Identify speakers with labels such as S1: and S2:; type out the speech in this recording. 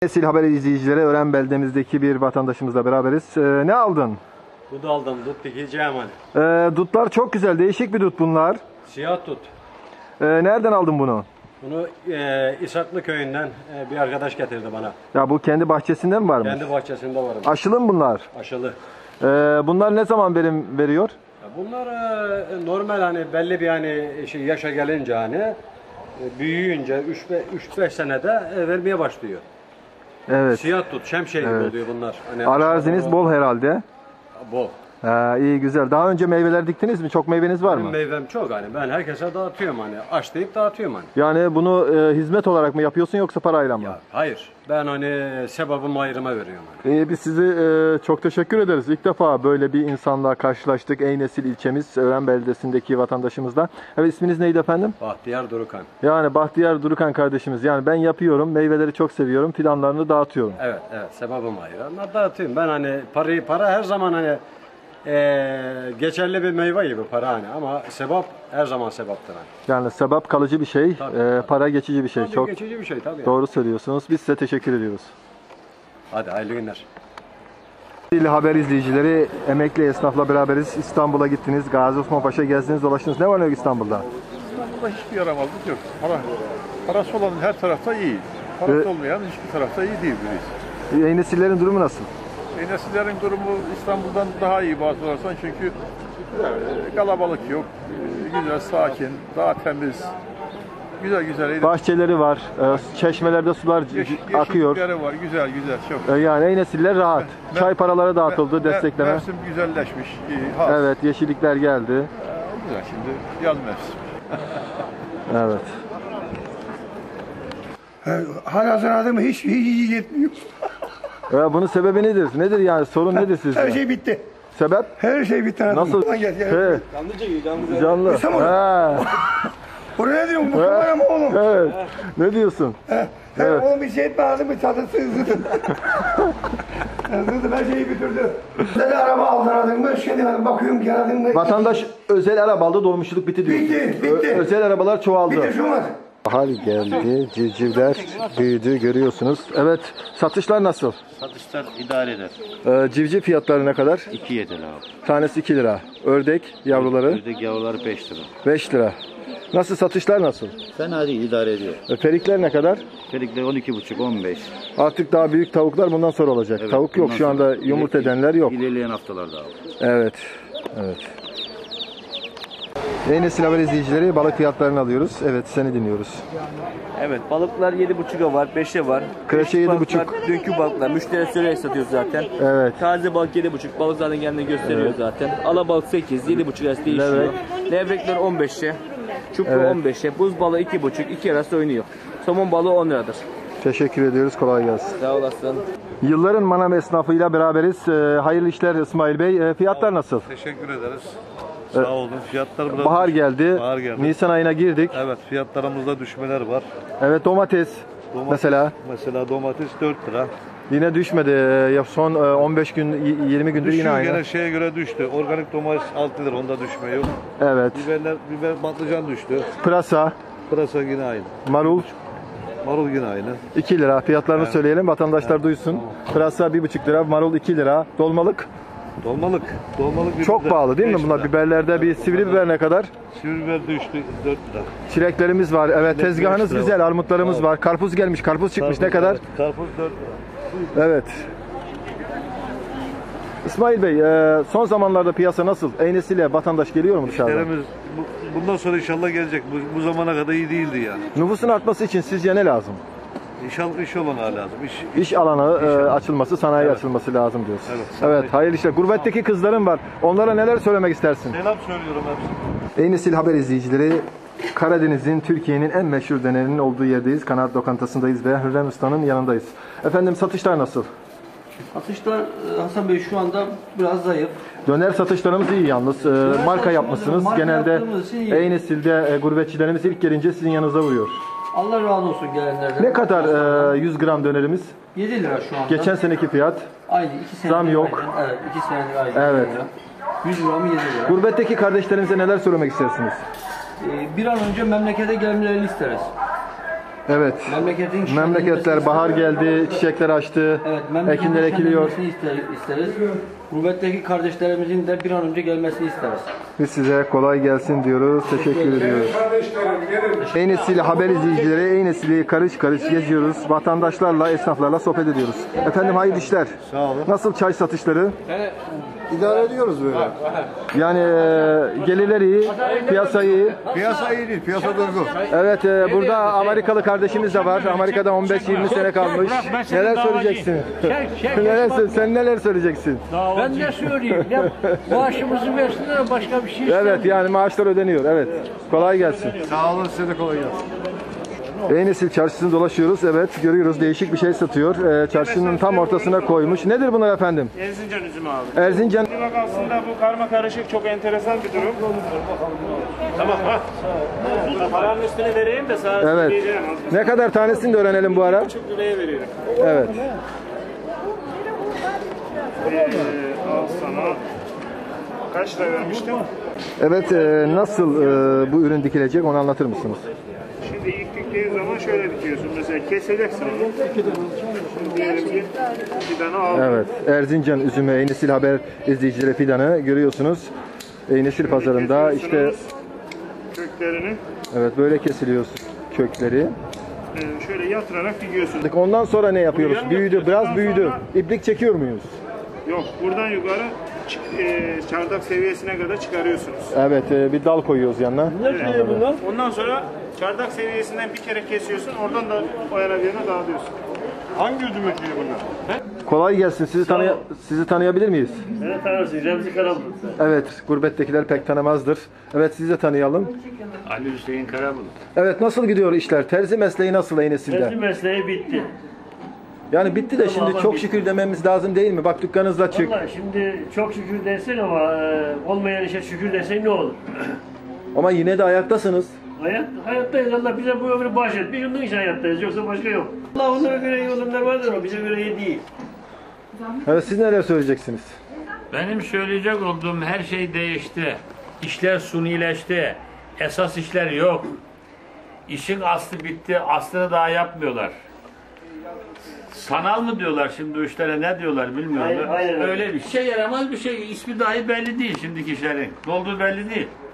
S1: Nesil Haber izleyicileri, Ören beldemizdeki bir vatandaşımızla beraberiz. Ne aldın?
S2: Dut aldım, dut dikeceğim hani.
S1: Dutlar çok güzel, değişik bir dut bunlar.
S2: Siyah dut.
S1: Nereden aldın bunu?
S2: Bunu İshaklı köyünden bir arkadaş getirdi bana.
S1: Ya bu kendi bahçesinde mi varmış?
S2: Kendi bahçesinde varım.
S1: Aşılı mı bunlar?
S2: Aşılı.
S1: Bunlar ne zaman verim veriyor?
S2: Bunlar normal hani belli bir hani yaşa gelince hani büyüyünce 3-5 senede vermeye başlıyor.
S1: Evet.
S2: Siyah dut, şemsiye gibi oluyor bunlar. Hani
S1: Araziniz bol herhalde.
S2: Bol.
S1: İyi güzel. Daha önce meyveler diktiniz mi? Çok meyveniz var
S2: Benim
S1: mı?
S2: meyvem çok hani. Ben herkese dağıtıyorum hani. Açlayıp dağıtıyorum hani.
S1: Yani bunu hizmet olarak mı yapıyorsun yoksa parayla mı?
S2: Ya, hayır. Ben hani sebebimi ayrıma veriyorum hani.
S1: Biz sizi çok teşekkür ederiz. İlk defa böyle bir insanla karşılaştık. Eynesil ilçemiz, Ören beldesindeki vatandaşımızla. Evet, isminiz neydi efendim?
S2: Bahtiyar Durukan.
S1: Yani Bahtiyar Durukan kardeşimiz. Yani ben yapıyorum, meyveleri çok seviyorum, fidanlarını dağıtıyorum.
S2: Evet, sebebim ayrı. Ama dağıtıyorum. Ben hani para her zaman hani geçerli bir meyve gibi para hani, ama sebep her zaman sebeptir hani.
S1: Yani sebep kalıcı bir şey, para geçici bir şey.
S2: Tabii
S1: Çok
S2: geçici bir şey tabii.
S1: doğru söylüyorsunuz. Biz size teşekkür ediyoruz.
S2: Hadi hayırlı günler.
S1: Haber izleyicileri, emekli esnafla beraberiz. İstanbul'a gittiniz, Gazi Osman Paşa gezdiniz, dolaştınız. Ne var ne yok İstanbul'da?
S3: İstanbul'da hiçbir yaramazlık yok. Parası olan her tarafta iyi. Parası olmayan hiçbir tarafta iyi değil birisi.
S1: Yeni nesillerin durumu nasıl?
S3: Nesillerin durumu İstanbul'dan daha iyi bazı sorarsan, çünkü kalabalık yok. Güzel, sakin, daha temiz. Güzel.
S1: Bahçeleri var, çeşmelerde sular akıyor.
S3: Yeşillikleri var, güzel, çok.
S1: Yani yeni nesiller rahat. Çay paraları dağıtıldı, destekleme.
S3: Mevsim güzelleşmiş.
S1: Evet, yeşillikler geldi.
S3: Güzel, şimdi yaz mevsim.
S1: Evet.
S4: Halihazırda mı hiç yetmiyor.
S1: Bunun sebebi nedir? Nedir yani? Sorun nedir sizce?
S4: Her şey bitti.
S1: Sebep?
S4: Her şey bitti.
S1: Nasıl?
S4: Gel.
S1: Canlı.
S4: Buraya ne diyorsun? Bu kadar mı oğlum?
S1: Evet. Ne diyorsun?
S4: Evet. Oğlum bir şey etme, ağzım bir tadı sızdı. Sızdı, her şeyi bitirdi. Özel araba aldın mı? Şimdi bakıyorum geldin mi?
S1: Vatandaş özel araba aldı, dolmuşluk bitti diyor.
S4: Bitti.
S1: Özel arabalar çoğaldı.
S4: Bitti şu an.
S1: Bahar geldi, civcivler büyüdü, görüyorsunuz. Evet, satışlar nasıl?
S5: Satışlar idare eder.
S1: Civciv fiyatları ne kadar?
S5: 2.7 lira abi.
S1: Tanesi 2 lira. Ördek yavruları?
S5: Ördek yavruları 5 lira.
S1: 5 lira. Nasıl, satışlar nasıl?
S5: Fena değil, idare ediyor.
S1: Perikler ne kadar?
S5: Perikler 12,5 15.
S1: Artık daha büyük tavuklar bundan sonra olacak.
S5: Evet,
S1: Tavuk yok şu anda, yumurta edenler yok.
S5: İlerleyen haftalarda abi.
S1: Evet. Yeni Nesil Haber izleyicileri, balık fiyatlarını alıyoruz. Evet, seni dinliyoruz.
S6: Evet, balıklar 7,5'a var, 5'e var.
S1: Kreşe 7,5.
S6: Dünkü balıklar, müşteri söyleyerek satıyoruz zaten.
S1: Evet.
S6: Taze balık 7,5, balık zaten kendini gösteriyor zaten. Alabalık 8, 7,5 arası değişiyor. Levrekler 15'e, çupra 15'e, buz balığı 2,5, 2 arası oynuyor. Somon balığı 10 liradır.
S1: Teşekkür ediyoruz, kolay gelsin.
S6: Sağ olasın.
S1: Yılların manav esnafıyla beraberiz. Hayırlı işler İsmail Bey. Fiyatlar nasıl?
S3: Teşekkür ederiz. Sağ olun. Fiyatlar biraz
S1: Bahar geldi.
S3: Bahar geldi.
S1: Nisan ayına girdik.
S3: Evet, fiyatlarımızda düşmeler var.
S1: Evet, domates mesela
S3: Domates 4 lira.
S1: yine düşmedi. Son 15 gün 20 gündür yine aynı.
S3: Gene şeye göre düştü. Organik domates 6 lira, onda düşme yok.
S1: Evet.
S3: Biber patlıcan düştü.
S1: Pırasa,
S3: Pırasa yine aynı.
S1: marul
S3: Marul yine aynı.
S1: 2 lira. Fiyatlarını söyleyelim, vatandaşlar duysun. Pırasa 1,5 lira, marul 2 lira. Dolmalık
S3: Dolmalık
S1: çok pahalı değil mi bunlar? Biberlerde bir sivri biber ne kadar?
S3: Sivri biber düştü 4 lira.
S1: Çileklerimiz var. Evet,
S3: Çilek
S1: tezgahınız
S3: 5 lira
S1: güzel.
S3: var.
S1: Armutlarımız var. Karpuz gelmiş. Karpuz çıkmış. Ne kadar?
S3: Evet, karpuz 4 lira.
S1: Evet. İsmail Bey, son zamanlarda piyasa nasıl? Eynesiyle vatandaş geliyor mu dışarıdan?
S3: İşlerimiz bundan sonra inşallah gelecek. Bu zamana kadar iyi değildi yani.
S1: Nüfusun artması için sizce ne lazım?
S3: İnşallah iş olanağı lazım.
S1: İş alanı açılması, sanayi açılması lazım diyoruz. Evet, hayırlı işler. Gurbetteki kızların var. Onlara neler söylemek istersin?
S3: Selam söylüyorum hepsine.
S1: Eynesil Haber izleyicileri, Karadeniz'in, Türkiye'nin en meşhur dönerinin olduğu yerdeyiz. Kanaat lokantasındayız ve Hürrem Usta'nın yanındayız. Efendim, satışlar nasıl?
S7: Satışlar Hasan Bey şu anda biraz zayıf.
S1: Döner satışlarımız iyi yalnız. Marka yapmışsınız.
S7: marka
S1: Genelde
S7: yaptığımız için iyi.
S1: Eynesil'de gurbetçilerimiz ilk gelince sizin yanınıza vuruyor.
S7: Allah razı olsun gelenlerden.
S1: Ne kadar 100 gram dönerimiz?
S7: 7 lira şu anda.
S1: Geçen seneki fiyat.
S7: Aynı 2 senedir.
S1: Zam yok.
S7: Aynı. Evet, 2 senedir aynı.
S1: Evet.
S7: 100 gramı 7 lira.
S1: Gurbetteki kardeşlerimize neler söylemek istersiniz?
S7: Bir an önce memlekete gelmelerini isteriz.
S1: Evet.
S7: Memleketin
S1: Memleketler bahar geldi, çiçekler açtı,
S7: Evet, memleketin
S1: ekinler ekiliyor.
S7: şenlenmesini isteriz. Gurbetteki kardeşlerimizin de bir an önce gelmesini isteriz.
S1: Biz size kolay gelsin diyoruz. Teşekkür ediyoruz. Ey Nesil haber izleyicileri, Ey Nesil'i karış karış geziyoruz. Vatandaşlarla, esnaflarla sohbet ediyoruz. Efendim hayırlı işler. Sağ olun. Nasıl çay satışları?
S8: İdare ediyoruz böyle.
S1: Yani gelirleri iyi, piyasa iyi.
S8: Piyasa iyi değil, piyasa durgun.
S1: Evet, burada Amerikalı kardeşimiz de var. Amerika'da 15-20 sene kalmış. Neler söyleyeceksin? Sen neler söyleyeceksin?
S9: Ben ne söyleyeyim? Ne maaşımızı versinler, başka bir şey istemiyorum.
S1: Evet, yani maaşlar ödeniyor. Evet. Kolay gelsin.
S8: Sağ olun, size de kolay gelsin.
S1: Ey Nesil çarşısını dolaşıyoruz. Evet, görüyoruz değişik bir şey satıyor. Çarşının tam ortasına koymuş. Nedir bunlar efendim?
S10: Erzincan üzümü abi.
S1: Erzincan.
S10: Bak aslında bu karma karışık çok enteresan bir durum. Tamam ha. Paranın üstüne vereyim de sana
S1: Evet.
S10: söyleyeceğim.
S1: Ne kadar tanesini de öğrenelim bu ara.
S10: 1,5 liraya veriyorum.
S1: Evet.
S10: Al sana. Kaç lira vermiştim?
S1: Evet, nasıl bu ürün dikilecek onu anlatır mısınız?
S10: Şimdi ilk diktiğin zaman şöyle dikiyorsun. Mesela keseceksin onu. Şimdi diyelim ki fidanı al.
S1: Evet, Erzincan üzümü Ey Nesil haber izleyicileri fidanı görüyorsunuz. Ey Nesil pazarında işte
S10: Köklerini
S1: evet böyle kesiliyor kökleri.
S10: şöyle yatırarak dikiyorsun.
S1: Ondan sonra ne yapıyoruz?
S10: Yan
S1: Büyüdü,
S10: yapıyorsun.
S1: biraz
S10: Ondan
S1: büyüdü.
S10: sonra-
S1: İplik çekiyor muyuz?
S10: Yok buradan yukarı çardak seviyesine kadar çıkarıyorsunuz.
S1: Evet, bir dal koyuyoruz yanına.
S10: Ondan sonra çardak seviyesinden bir kere kesiyorsun. Oradan da o yana bir yana dağılıyorsun. Hangi üzüm ekiyor bunlar?
S1: Kolay gelsin. Sizi tanıyabilir miyiz?
S10: Beni tanırsın. Remzi Karabulut.
S1: Evet, gurbettekiler pek tanımazdır. Evet, sizi de tanıyalım.
S10: Ali Hüseyin Karabulut.
S1: Evet, nasıl gidiyor işler? Terzi mesleği nasıl Ey Nesil'de?
S10: Mesleği bitti.
S1: Yani bitti de şimdi çok şükür dememiz lazım değil mi? Bak dükkanınızda açık.
S10: Vallahi şimdi çok şükür dersin ama olmayan işe şükür dersen ne olur?
S1: Ama yine de ayaktasınız.
S10: Hayattayız. Allah bize bu ömrü bahşetmiş. Onun için hayattayız. Yoksa başka yok. Allah onlara göre iyi olanlar vardır ama bize göre iyi değil.
S1: Evet, siz neler söyleyeceksiniz?
S11: Benim söyleyecek olduğum her şey değişti. İşler sunileşti. Esas işler yok. İşin aslı bitti. Aslını daha yapmıyorlar. Sanal mı diyorlar şimdi o işlere, ne diyorlar bilmiyorum.
S10: Aynen öyle.
S11: Öyle bir şey yaramaz bir şey. İsmi dahi belli değil şimdiki işlerin. Ne olduğu belli değil.